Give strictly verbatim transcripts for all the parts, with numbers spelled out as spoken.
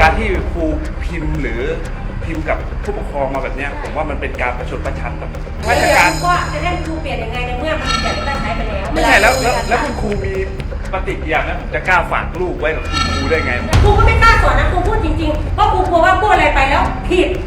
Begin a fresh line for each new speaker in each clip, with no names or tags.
การที่ครูพิมพ์หรือพิมพ์กับผู้ปกครองมาแบบนี้ผมว่ามันเป็นการประชดประชันกับราชการ
ก็จะให้ครูเปลี่ยนยังไงในเมื่อมันเปลี่ยนได้ใช้ไปแล้ว
ไม่ใช่แล้วแล้วคุณครูมีปฏิกิริยานะผมจะกล้าฝากลูกไว้กับคุณครูได้ไง
ครูก็ไม่กล้าสอนนะครูพูดจริงๆเพราะครูกลัวว่าพูดอะไรไปแล้วผิด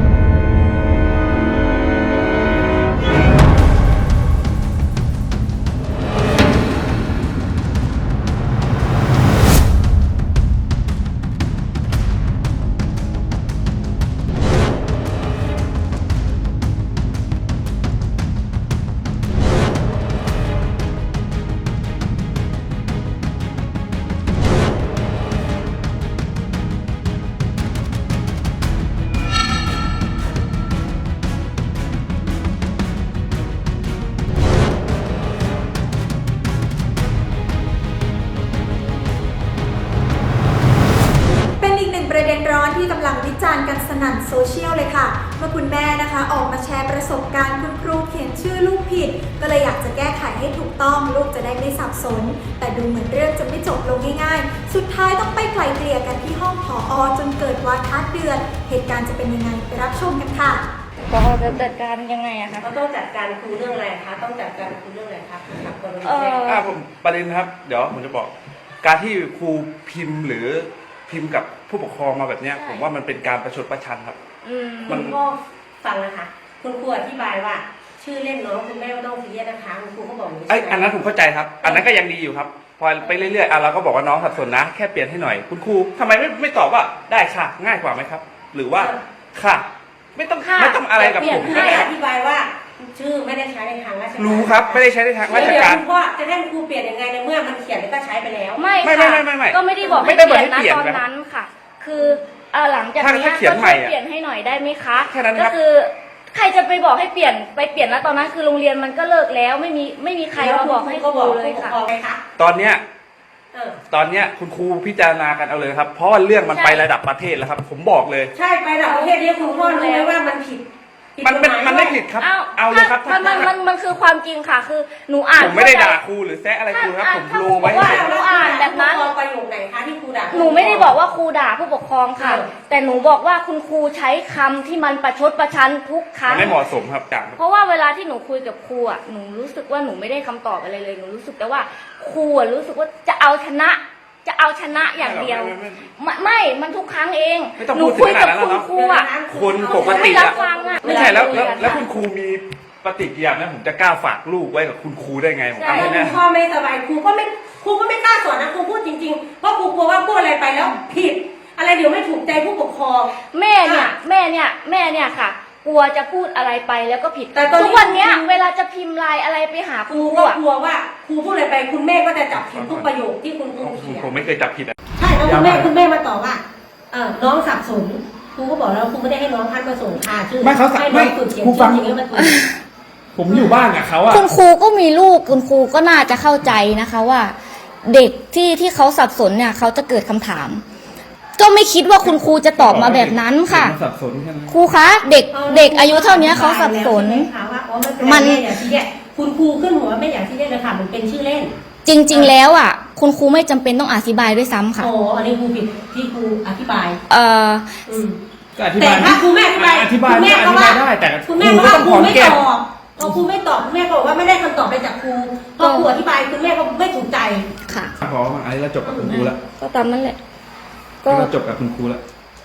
ประเด็นร้อนที่กำลังวิจารณ์กันสนั่นโซเชียลเลยค่ะเมื่อคุณแม่นะคะออกมาแชร์ประสบการณ์คุณครูเขียนชื่อลูกผิดก็เลยอยากจะแก้ไขให้ถูกต้องลูกจะได้ไม่สับสนแต่ดูเหมือนเรื่องจะไม่จบลงง่ายๆสุดท้ายต้องไปไกล่เกลี่ยกันที่ห้องผอ.จนเกิดวาทะเดือดเหตุการณ์จะเป็นยังไงไปรับชมกันค่ะ
ผอ.จะจัดการยังไงอะคะ
เขาต้องจัดการครูเรื่องอะไรคะต้องจัดการครูเรื่องอะไรคะกับกรณี
เออ
อ่าผมประเด็นครับเดี๋ยวผมจะบอกการที่ครูพิมพ์หรือพิมพ์กับผู้ปกครองมาแบบนี้ผมว่ามันเป็นการประชดประชันครับ
มันก็ฟังนะคะคุณครูอธิบายว่าชื่อเล่นน้องคุณแม่ไม่ต้องซีเรียสนะคะคุณครูเขาบอกอย่างนี้
ไอ้อันนั้นผมเข้าใจครับอันนั้นก็ยังดีอยู่ครับพอไปเรื่อยๆอ่ะเราก็บอกว่าน้องสับสนนะแค่เปลี่ยนให้หน่อยคุณครูทำไมไม่ไม่ตอบว่าได้ค่ะง่ายกว่าไหมครับหรือว่าค่ะไม่ต้องไม่ต้องอะไรกับผม
ก็ได้อธิบายว่าชื่อไม่ได้ใช้ในทางราชการ
รู้ครับไม่ได้ใช้ในทางราชการ
คุณพ่อจะให้ครูเปลี่ยนยังไงในเมื่อมันเขียนแล้วก็ใช้ไปแล้ว
ไม่ค่ะก็ไม่ได้บอกให้เปลี่ยนนะตอนนั้นค่ะคือหลังจากนี้ก็ช่วยเปลี่ยนให้หน่อยได้ไหมคะก็คือใครจะไปบอกให้เปลี่ยนไปเปลี่ยนแล้วตอนนั้นคือโรงเรียนมันก็เลิกแล้วไม่มีไม่มีใครมาบอกให้ครูเลยค่ะ
ตอนเนี้ยตอนเนี้ยคุณครูพิจารณากันเอาเลยครับเพราะว่าเรื่องมันไประดับประเทศแล้วครับผมบอกเลย
ใช่ไประดับประเทศนี้คุณพ่อรู้ไหมว่ามันผิด
มันเป็นมันไม่ผิดครับเอาเลยครับ
มันมันมันมันคือความจริงค่ะคือหนูอ่าน
ผมไม่ได้ด่าครูหรือแซะอะไรครูครับผมรู้ไว้
ว่าหนูอ่านแบบนั้น
ประโยคไหนคะที่ครูด่า
หนูไม่ได้บอกว่าครูด่าผู้ปกครองค่ะแต่หนูบอกว่าคุณครูใช้คำที่มันประชดประชันทุกครั้ง
ไม่เหมาะสมครับจัง
เพราะว่าเวลาที่หนูคุยกับครูอ่ะหนูรู้สึกว่าหนูไม่ได้คำตอบอะไรเลยหนูรู้สึกแต่ว่าครูอ่ะรู้สึกว่าจะเอาชนะจะเอาชนะอย่างเดียวไม่มันทุกครั้งเอง
หนูคุยกับคุณ
ครูอ่ะ
คนปกติอะไม่ใช่แล้วแล้วคุณครูมีปฏิกิริยานะผมจะกล้าฝากลูกไว้กับคุณครูได้ไงผม
เอาแน่พ่อไม่สบายครูก็ไม่ครูก็ไม่กล้าสอนนะครูพูดจริงๆเพราะครูกลัวว่าพูดอะไรไปแล้วผิดอะไรเดี๋ยวไม่ถูกใจผู้ปกครอง
แม่เนี่ยแม่เนี่ยแม่เนี่ยค่ะกลัวจะพูดอะไรไปแล้วก็ผิดแต่ทุกวันนี้เวลาจะพิมพ์ไลน์อะไรไปหา
ครูก็กลัวว่าครูพูดอะไรไปคุณแม่ก็จะจับผิดทุกประโยคที่คุณครูเขียน
ผมไม่เคยจับผิดอ่ะ
ใช่แล้วคุณแม่คุณแม่มาตอบว่าเออน้องสับสนครูก็บอกแล้วครูไม่ได้ให้น้องท่านมาส่งค่ะชื่อ
ไม่เขาสับไม่ครูฟังผมอยู่บ้านกับเขาอ่ะ
คุณครูก็มีลูกคุณครูก็น่าจะเข้าใจนะคะว่าเด็กที่ที่เขาสับสนเนี่ยเขาจะเกิดคำถามก็ไม่คิดว่าคุณครูจะตอบมาแบบนั้นค่ะครูคะเด็กเด็กอายุเท่านี้เขาสับสน
มันคุณครูขึ้นหัวไม่อยากที่เล่นเลยค่ะมันเป็นชื่อเล่น
จริงๆแล้วอ่ะคุณครูไม่จำเป็นต้องอธิบายด้วยซ้ำค่ะ
โอ้อันนี้ครูผิดที่ครูอธิบาย
เอ่อ
แต่ถ้าครูแม่อธิบาย
อธิบายได้แต่
คุณแม่ก็ครูไม่ตอบพอครูไม่ตอบคุณแม่ก็บอกว่าไม่ได้คำตอบไปจากครูพอครูอธิบายคุณแม่ก็ไม่ถูกใจ
ค่ะ
ขออันนี้เราจบกับคุณครูแล้ว
ก็ตามนั้นแหละ
ก็จบกับคุณครูแล้ว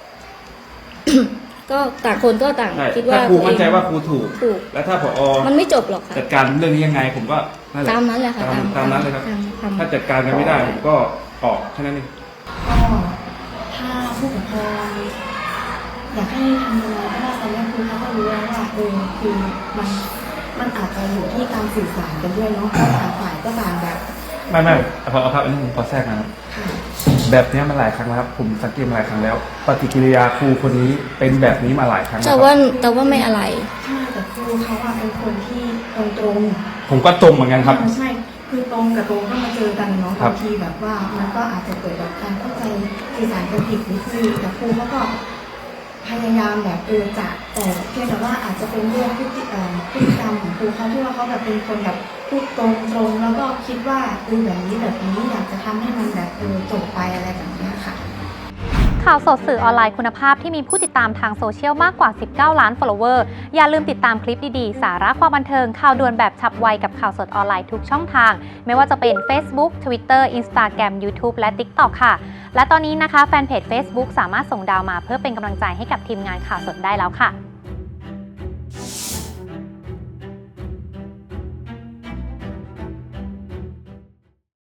ก็ต่างคนก็ต่างคิดว่า
ครูมั่นใจว่าครูถูกแล้วถ้าผอ.
มันไม่จบหรอกค่ะ
จัดการเรื่องนี้ยังไงผมก็
ตามนั้นแหละค่ะ
ตามนั้นเลยครับถ้าจัดการกันไม่ได้ผมก็ออกแค่นั้นเอง
ก็ถ้าผู้ปกครองอยากให้ทำอะไรก็ได้ตอนแรกครูเขาก็รู้แล้วว่าเออคือมันมันอาจจะอยู่ที่การสื่อสารกันด้วยเนาะเพราะต่างฝ่ายก็ต่างแบบ
ไม่ไม่พอครับอันนี้ผมขอแทรกนะครับแบบนี้มาหลายครั้งแล้วครับผมสังเกตมาหลายครั้งแล้วปฏิกิริยาครูคนนี้เป็นแบบนี้มาหลายครั้ง
แต่ว่าแต่ว่าไม่อะไร
ใช่แต่ครูเขาอะเป็นคนที่ตรงตรง
ผมก็ตรงเหมือนกันครับ
ใช่คือตรงกับตรงก็มาเจอกันเนาะบางทีแบบว่ามันก็อาจจะเกิดแบบการเข้าใจสื่อสารกันผิดนิดนึงแต่ครูเขาก็พยายามแบบเออจะแต่เพียงแต่ว่าอาจจะเป็นเรื่องพฤติพฤติกรรมของครูเขาที่ว่าเขาแบบเป็นคนแบบพูดตรงตรงแล้วก็คิดว่าเออแบบนี้แบบนี้อยากจะทำให้มันแบบเออจบไปอะไรแบบนี้ค่ะ
ข่าวสดสื่อออนไลน์คุณภาพที่มีผู้ติดตามทางโซเชียลมากกว่าสิบเก้าล้าน follower อย่าลืมติดตามคลิปดีๆสาระความบันเทิงข่าวด่วนแบบฉับไวกับข่าวสดออนไลน์ทุกช่องทางไม่ว่าจะเป็น Facebook Twitter Instagram YouTube และ TikTok ค่ะและตอนนี้นะคะแฟนเพจ Facebook สามารถส่งดาวมาเพื่อเป็นกำลังใจให้กับทีมงานข่าวสดได้แล้วค่ะ